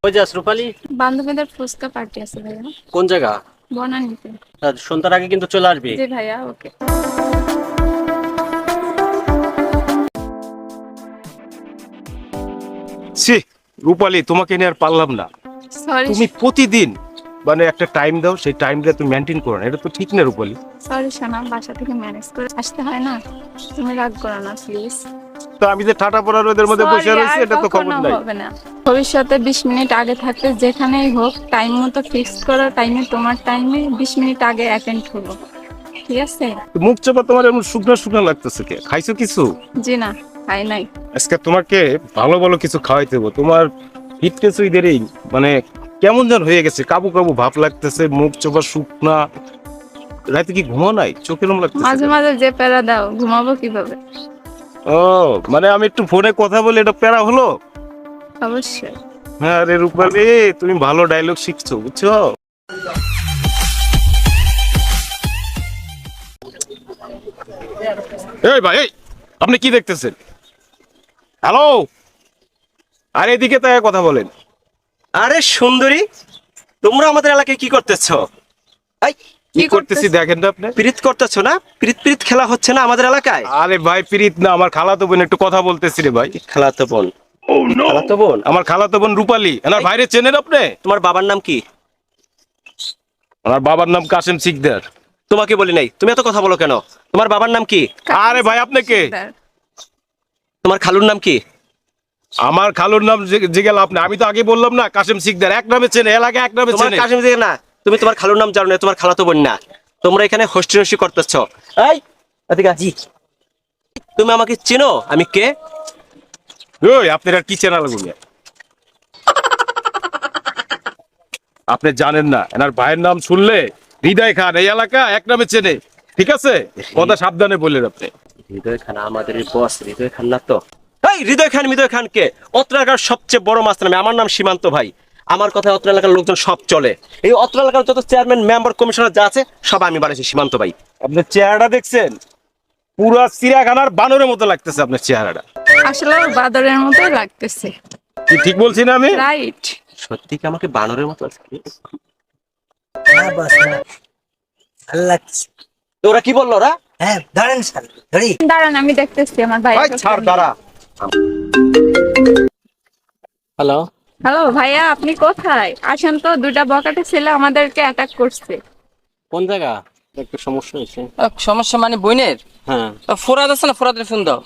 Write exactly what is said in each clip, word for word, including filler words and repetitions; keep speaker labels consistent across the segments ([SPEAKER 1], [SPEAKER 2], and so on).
[SPEAKER 1] ওই যাস রূপালী?
[SPEAKER 2] বান্ধবীদের ফুচকা পার্টি আছে ভাইয়া।
[SPEAKER 1] কোন জায়গা?
[SPEAKER 2] বনানীতে।
[SPEAKER 1] আর সন্ধ্যার আগে কিন্তু চলে আসবি।
[SPEAKER 2] জি ভাইয়া, ওকে।
[SPEAKER 3] ছি, রূপালী, তোমাকে নিয়ে আর পারলাম না।
[SPEAKER 2] সরি।
[SPEAKER 3] তুমি প্রতিদিন মানে একটা টাইম দাও, সেই টাইমটা তুমি মেনটেন করো না, এটা তো ঠিক না রূপালী।
[SPEAKER 2] সরি সোনা, বাসা থেকে ম্যানেজ করে আসতে হয় না, তুমি রাগ করো না প্লিজ।
[SPEAKER 3] তো আমি যে ঠাটা পড়া রোদের মধ্যে বসে রয়েছি, এটা তো খবর নাই।
[SPEAKER 2] হবে না। ভবিষ্যতে বিশ মিনিট আগে থাকতে যেখানেই হোক টাইম মতো ফিক্স করো, টাইমে তোমার টাইমে বিশ মিনিট আগে অ্যাটেন্ড হলো, ঠিক আছে?
[SPEAKER 3] তো মুখ চাপা তোমার এমন শুকনো শুকনো লাগতেছে, কে খাইছো কিছু?
[SPEAKER 2] জি না, খাই নাই।
[SPEAKER 3] আজকে তোমাকে ভালো ভালো কিছু খাওয়াইতে দেবো। তোমার ফিটনেস ওইদেরই মানে কেমন যেন হয়ে গেছে, কাবু কাবু ভাব লাগতেছে, মুখ চাপা শুকনা। রাতে কি ঘুমো নাই? চোখের এরকম লাগতেছে
[SPEAKER 2] মাঝে
[SPEAKER 3] কেন?
[SPEAKER 2] মাঝে যে প্যারা দাও, ঘুমাবো কিভাবে?
[SPEAKER 3] ও, মানে আমি একটু ফোনে কথা বলে এটা প্যারা হলো?
[SPEAKER 2] অবশ্যই।
[SPEAKER 3] হ্যাঁ রে রূপালী, তুমি ভালো ডায়লগ শিখছো, বুঝছো? এই ভাই, এই আপনি কি দেখতেছেন? হ্যালো, আর এদিকে তাই কথা বলেন।
[SPEAKER 1] আরে সুন্দরী, তোমরা আমাদের এলাকায় কি করতেছো? এই
[SPEAKER 3] কি করতেছি দেখেন তো আপনি।
[SPEAKER 1] প্রীত করতেছো না? প্রীত প্রীত খেলা হচ্ছে না আমাদের এলাকায়?
[SPEAKER 3] আরে ভাই, প্রীত না, আমার খালাতো বোন, একটু কথা বলতেছি রে ভাই।
[SPEAKER 1] খেলাতো বোন? খেলাতো বোন?
[SPEAKER 3] আমার খালাতো বোন রূপালী। এনার ভাইরে চেনেন আপনি?
[SPEAKER 1] তোমার বাবার নাম কি?
[SPEAKER 3] আমার বাবার নাম কাসেম সিকদার।
[SPEAKER 1] তোমাকে বলি নাই, তুমি এত কথা বলো কেন? তোমার বাবার নাম কি?
[SPEAKER 3] আরে ভাই, আপনি কে?
[SPEAKER 1] তোমার খালুর নাম কি?
[SPEAKER 3] আমার খালুর নাম জিগেল আপনি, আমি তো আগে বললাম না, কাসেম সিকদার। এক নামে চেনে, এলাকা এক নামে
[SPEAKER 1] তোমার
[SPEAKER 3] চেনে।
[SPEAKER 1] কাশিম থেকে না, তুমি তোমার খালুর নাম জানো না, তোমার খালাতো বোন না। তোমরা এখানে হোস্টি নষ্টি করতেছো। এই এদিকে আয়। তুমি আমাকে চেনো আমি কে?
[SPEAKER 3] ওই আপনার আর কি চেনা লাগবে? আপনি জানেন না, এনার ভাইয়ের নাম শুনলে হৃদয় খান এই এলাকা এক নামে চেনে, ঠিক আছে? কথা সাবধানে বললেন আপনি।
[SPEAKER 1] হৃদয় খান আমাদের বস, হৃদয় খান না তো? এই হৃদয় খান হৃদয় খান কে? অত্র এলাকার সবচেয়ে বড় মাস্টার আমি, আমার নাম সীমান্ত ভাই। আমার কথায় অত্র এলাকার লোকজন সব চলে। এই অত্র এলাকার যত চেয়ারম্যান মেম্বার কমিশনার যা আছে সব আমি বানিয়েছি সীমান্ত ভাই।
[SPEAKER 3] আপনার চেহারাটা দেখছেন? পুরা চিড়িয়াখানার বানরের মতো লাগতেছে আপনার চেহারাটা।
[SPEAKER 2] আসলে বাদরের মতোই লাগতেছে।
[SPEAKER 3] কি ঠিক বলছি না আমি?
[SPEAKER 2] রাইট।
[SPEAKER 1] সত্যি কি আমাকে বানরের মতো লাগছে?
[SPEAKER 4] না বস না, ভালো লাগছে।
[SPEAKER 1] তো ওরা কি বললো ওরা?
[SPEAKER 4] হ্যাঁ ধরেন স্যার, ধরি।
[SPEAKER 2] দাঁড়ান, আমি দেখতেছি আমার ভাই।
[SPEAKER 1] ভাই ছাড়, দাঁড়া। হ্যালো।
[SPEAKER 2] হ্যালো ভাইয়া, আপনি কোথায়? আসেন তো, দুইটা বকাটে ছেলে আমাদেরকে অ্যাটাক করছে।
[SPEAKER 1] কোন জায়গা? একটু সমস্যা হয়েছে।
[SPEAKER 5] আহ, সমস্যা মানে বোনের?
[SPEAKER 1] হ্যাঁ।
[SPEAKER 5] আহ, ফোরাদ আছে না, ফোরাদের ফোন দাও।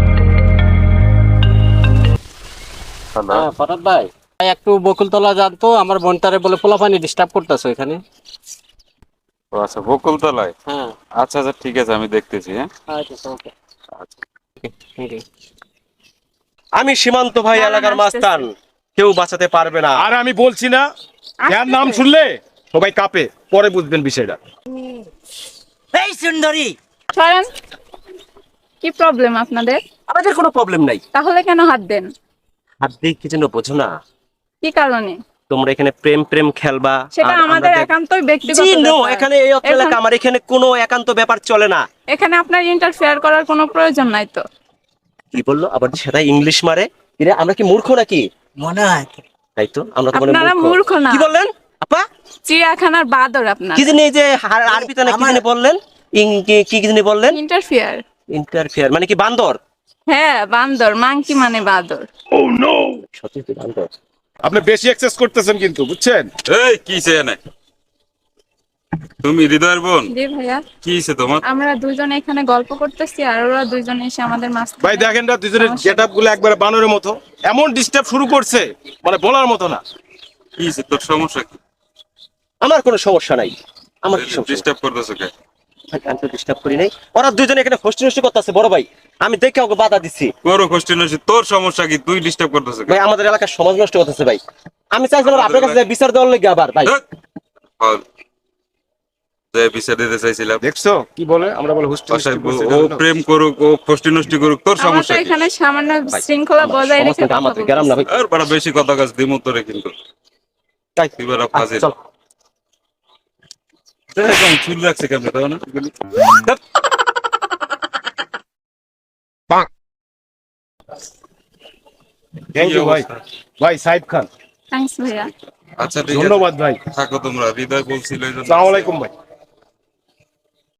[SPEAKER 1] হ্যাঁ ফরাদ ভাই, ভাই একটু বকুলতলা যান তো, আমার বোনটারে বলে পোলাপানি ডিস্টার্ব করতেছো এখানে।
[SPEAKER 6] ও আচ্ছা, বকুলতলায়।
[SPEAKER 1] হ্যাঁ।
[SPEAKER 6] আচ্ছা আচ্ছা, ঠিক আছে, আমি দেখতেছি। হ্যাঁ
[SPEAKER 1] আচ্ছা ওকে। আমি সীমান্ত ভাই,
[SPEAKER 2] দাঁড়ান,
[SPEAKER 1] এলাকার
[SPEAKER 2] আসতেছি।
[SPEAKER 1] মাস্তান, কেউ বাঁচাতে পারবে না।
[SPEAKER 3] আর আমি বলছি না, যার নাম শুনলে সবাই কাঁপে, পরে বুঝবেন বিষয়টা।
[SPEAKER 4] এই সুন্দরী,
[SPEAKER 2] সরেন। কি প্রবলেম আপনাদের?
[SPEAKER 1] আমাদের কোনো প্রবলেম নাই।
[SPEAKER 2] তাহলে কেন হাত দেন?
[SPEAKER 1] হাত দিয়ে কি যেন বোঝো না,
[SPEAKER 2] কি কারণে?
[SPEAKER 1] তোমরা এখানে প্রেম প্রেম খেলবা।
[SPEAKER 2] সেটা
[SPEAKER 1] আর
[SPEAKER 2] আমাদের
[SPEAKER 1] দেখ-
[SPEAKER 2] একান্তই ব্যক্তিগত
[SPEAKER 1] জি, no,
[SPEAKER 2] ব্যাপার।
[SPEAKER 1] এখানে এই অত্র এলাকা
[SPEAKER 2] এখন-
[SPEAKER 1] আমার, এখানে কোনো একান্ত ব্যাপার চলে না।
[SPEAKER 2] এখানে আপনার ইন্টারফেয়ার করার কোনো প্রয়োজন নাই তো।
[SPEAKER 1] কি বললো আবার? সেটা ইংলিশ মারে। এরা আমরা কি মূর্খ নাকি?
[SPEAKER 4] মনে হয়
[SPEAKER 1] তাই তো, আমরা তো মনে
[SPEAKER 2] আপনারা মূর্খ না।
[SPEAKER 1] কি বললেন আপা?
[SPEAKER 2] চিড়িয়াখানার বাদর আপনার।
[SPEAKER 1] কি জানি এই যে আর- আরবিতে না কি
[SPEAKER 4] আমার-
[SPEAKER 1] জানি বললেন? ইং- কি কি জানি বললেন?
[SPEAKER 2] ইন্টারফেয়ার।
[SPEAKER 1] ইন্টারফেয়ার মানে কি বান্দর?
[SPEAKER 2] হ্যাঁ বান্দর, মাংকি মানে বাদর।
[SPEAKER 1] সত্যি তো বান্দর।
[SPEAKER 3] আপনি বেশি এক্সেস করতেছেন কিন্তু, বুঝছেন?
[SPEAKER 6] এই কি চেয়ে তুমি হৃদয়ের বোন?
[SPEAKER 2] জি ভাইয়া,
[SPEAKER 6] কি হয়েছে তোমার?
[SPEAKER 2] আমরা দুজন এখানে গল্প করতেছি আর ওরা দুজন এসে আমাদের মাঝখানে।
[SPEAKER 3] ভাই দেখেন না, দুজনের
[SPEAKER 2] সমস্যা।
[SPEAKER 3] গেট আপ গুলো একবারে বানরের মতো, এমন ডিস্টার্ব শুরু করছে মানে বলার মতো না।
[SPEAKER 6] কি হয়েছে, তোর সমস্যা কি?
[SPEAKER 1] আমার কোনো সমস্যা নাই। আমার কি সমস্যা?
[SPEAKER 6] ডিস্টার্ব করতেছো কে?
[SPEAKER 1] ভাই, আমি তো ডিস্টার্ব করি নাই। ওরা দুজনে এখানে হোস্টি নষ্টি করতেছে বড় ভাই, আমি দেখে ওকে বাধা দিচ্ছি।
[SPEAKER 6] করো কোশ্চেন আছে, তোর সমস্যা কি? তুই ডিস্টার্ব করতেছো কে?
[SPEAKER 1] ভাই আমাদের এলাকার সমাজ নষ্ট করতেছে ভাই। আমি চাইছিলাম আপনার কাছে বিচার দেওয়ার লেগে আবার ভাই।
[SPEAKER 6] ধ্যাৎ, ফাউল। যে বিচার দিতে চাইছিলাম,
[SPEAKER 3] দেখছো কি বলে? আমরা বলে হোস্টেল
[SPEAKER 6] বাসায় ও- ও প্রেম করুক, ও কোষ্টি নষ্টি করুক, তোর
[SPEAKER 2] আমরা
[SPEAKER 6] সমস্যা
[SPEAKER 2] তো
[SPEAKER 6] কি?
[SPEAKER 2] এখানে সামান্য
[SPEAKER 1] ভাই,
[SPEAKER 2] শৃঙ্খলা
[SPEAKER 1] আমার
[SPEAKER 2] বজায়
[SPEAKER 1] সমাজ
[SPEAKER 2] রেখে
[SPEAKER 1] কিন্তু
[SPEAKER 2] কথা
[SPEAKER 1] আমাদের গ্রাম না ভাই।
[SPEAKER 2] বলতেছি।
[SPEAKER 6] আর বড় বেশি কথা কাজ দিমু তোরে কিন্তু।
[SPEAKER 1] তাই
[SPEAKER 6] তুই বড়
[SPEAKER 1] আচ্ছা,
[SPEAKER 6] ফাজিল।
[SPEAKER 1] চল।
[SPEAKER 6] দেখুন চুল রাখছে কেমনে, তাও না?
[SPEAKER 1] ধ্যাৎ।
[SPEAKER 3] থ্যাংক ইউ ভাই। ভাই সাইদ খান,
[SPEAKER 2] থ্যাংকস ভাইয়া।
[SPEAKER 6] আচ্ছা ঠিক আছে
[SPEAKER 3] ধন্যবাদ ভাই।
[SPEAKER 6] থাকো তোমরা, হৃদয় বলছিল এই জন্য।
[SPEAKER 3] আসসালামু আলাইকুম ভাই।